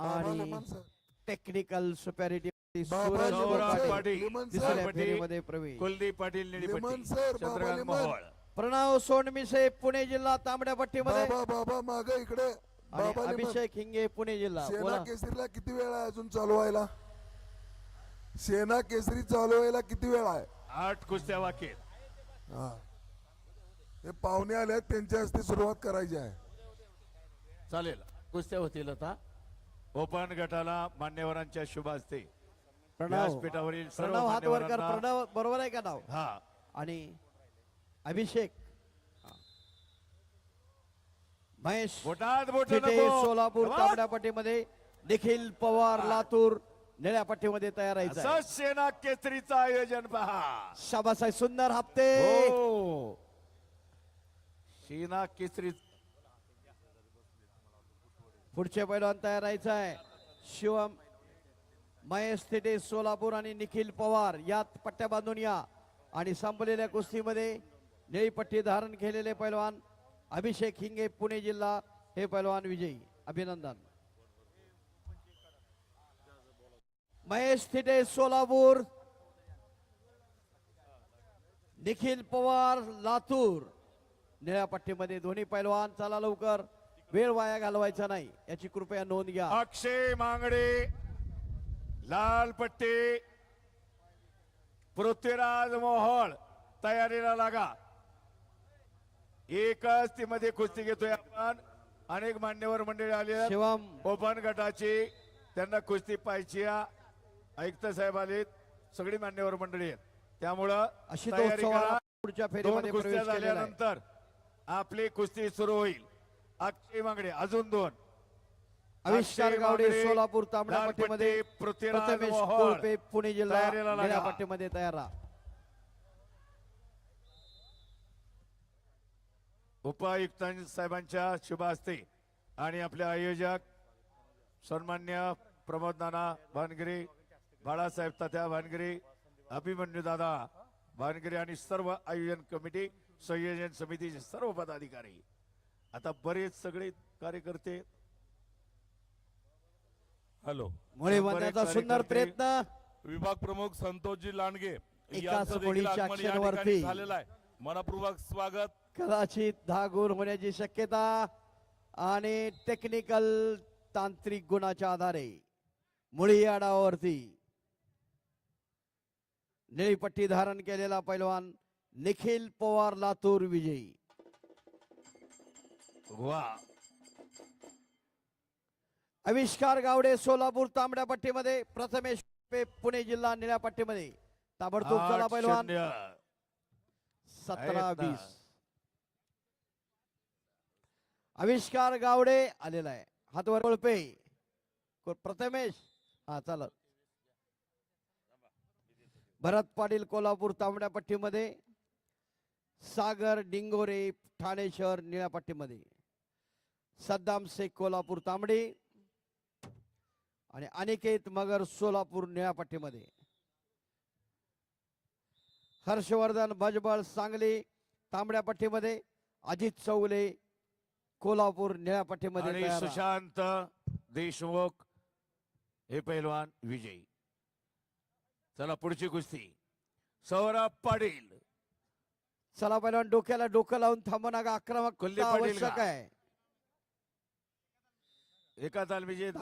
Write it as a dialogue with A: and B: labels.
A: आणि टेक्निकल सुपॅरिटी
B: सौरभ पाटील
A: तिसऱ्या फेरीमध्ये प्रवेश.
B: कुलदीप पाटील निळीपट्टी चंद्रकांत मोहोळ
A: प्रणव सोनमिसे पुणे जिल्हा तांबड्या पट्टीमध्ये
C: बाबा माग इकडे
A: आणि अभिषेक हिंगे पुणे जिल्हा.
C: सेना
A: बोला.
C: केसरीला किती वेळ आहे अजून चालू व्हायला? सेना केसरी चालू व्हायला किती वेळ आहे?
B: 8 कुस्त्या बाकी आहेत.
C: हा, हे पाहुणे आले आहेत, त्यांच्या हस्ते सुरुवात करायची आहे.
B: चालेल, कुस्त्या होतील आता. ओपन गटाला मान्यवरांच्या शुभ हस्ते
A: प्रणव
B: व्यासपीठावरील सर्व
A: प्रणव हात वर कर.
B: मान्यवरांना
A: प्रणव बरोबर आहे का नाव?
B: हा
A: आणि अभिषेक महेश
B: बोटात बोट
A: फिटे
B: नको.
A: सोलापूर
B: वा.
A: तांबड्या पट्टीमध्ये, निखिल पवार लातूर निळ्या पट्टीमध्ये तयार
B: असं
A: राहायचं.
B: सेना केसरीचं आयोजन पहा.
A: शाबास आहे, सुंदर हप्ते.
B: हो, सेना केसरी
A: पुढचे पैलवान तयार राहायचं आहे. शिवम महेश थिटे सोलापूर आणि निखिल पवार यात पट्ट्या बांधून या. आणि संपलेल्या कुस्तीमध्ये निळी पट्टी धारण केलेले पैलवान अभिषेक हिंगे पुणे जिल्हा हे पैलवान विजयी. अभिनंदन. महेश थिटे सोलापूर, निखिल पवार लातूर निळ्या पट्टीमध्ये दोन्ही पैलवान. चला लवकर, वेळ वाया घालवायचा नाही याची कृपया नोंद घ्या.
B: अक्षय मांगडे लाल पट्टी, पृथ्वीराज मोहोळ तयारीला लागा. एकच ती मध्ये कुस्ती घेतोय आपण. अनेक मान्यवर मंडळी आली आहेत.
A: शिवम
B: ओपन गटाची त्यांना कुस्ती पाहायची. आयुक्त साहेब आलेत, सगळी मान्यवर मंडळी आहेत, त्यामुळं
A: अशी
B: तयारी करा.
A: पुढच्या
B: 2
A: फेरीमध्ये
B: कुस्त्या
A: प्रवेश केलेला आहे.
B: झाल्यानंतर आपली कुस्ती सुरू होईल. अक्षय मांगडे अजून 2.
A: आविष्कार
B: अक्षय
A: गावडे
B: मांगडे,
A: सोलापूर तांबड्या
B: लाल
A: पट्टीमध्ये,
B: पट्टी, पृथ्वीराज
A: प्रथमेश
B: मोहोळ
A: कोळपे पुणे जिल्हा
B: तयारीला
A: निळ्या
B: लागा.
A: पट्टीमध्ये तयार राहा.
B: उपायुक्त साहेबांच्या शुभ हस्ते आणि आपले आयोजक सन्मान्य प्रमोद नाना भानगिरे, बाळासाहेब तात्या भानगिरे, अभिमन्यू दादा भानगिरे आणि सर्व आयोजन कमिटी संयोजन समितीचे सर्व पदाधिकारी. आता बरेच सगळे कार्यकर्ते.
D: हॅलो,
A: मुळे बनण्याचा सुंदर प्रयत्न.
D: विभाग प्रमुख संतोषजी लांडगे
A: एकाच
D: यांचं देखील
A: गोळीच्या
D: आगमन या
A: अक्षरावरती.
D: ठिकाणी झालेलं आहे. मनपूर्वक स्वागत.
A: कदाचित 10 गुण होण्याची शक्यता आणि टेक्निकल तांत्रिक गुणाच्या आधारे मुळी आडावरती निळी पट्टी धारण केलेला पैलवान निखिल पवार लातूर विजयी.
B: वा,
A: आविष्कार गावडे सोलापूर तांबड्या पट्टीमध्ये, प्रथमेश कोळपे पुणे जिल्हा निळ्या पट्टीमध्ये. ताबडतोब चला पैलवान. 17-20 आविष्कार गावडे आलेला आहे. हातवर कोळपे, प्रथमेश. हा चालत. भरत पाटील कोल्हापूर तांबड्या पट्टीमध्ये, सागर डिंगोरे ठाणे शहर निळ्या पट्टीमध्ये, सद्दाम शेख कोल्हापूर तांबडी आणि अनिकेत मगर सोलापूर निळ्या पट्टीमध्ये, हर्षवर्धन भजबळ सांगली तांबड्या पट्टीमध्ये, अजित चौले कोल्हापूर निळ्या पट्टीमध्ये
B: आणि
A: तयार.
B: सुशांत देशमुख हे पैलवान विजयी. चला पुढची कुस्ती. सौरभ पाटील.
A: चला पैलवान, डोक्याला डोकं लावून थांबू नका. आक्रमक
B: कुलदीप पाटील
A: आवश्यक
B: का?
A: आहे.
B: एका तालमीचे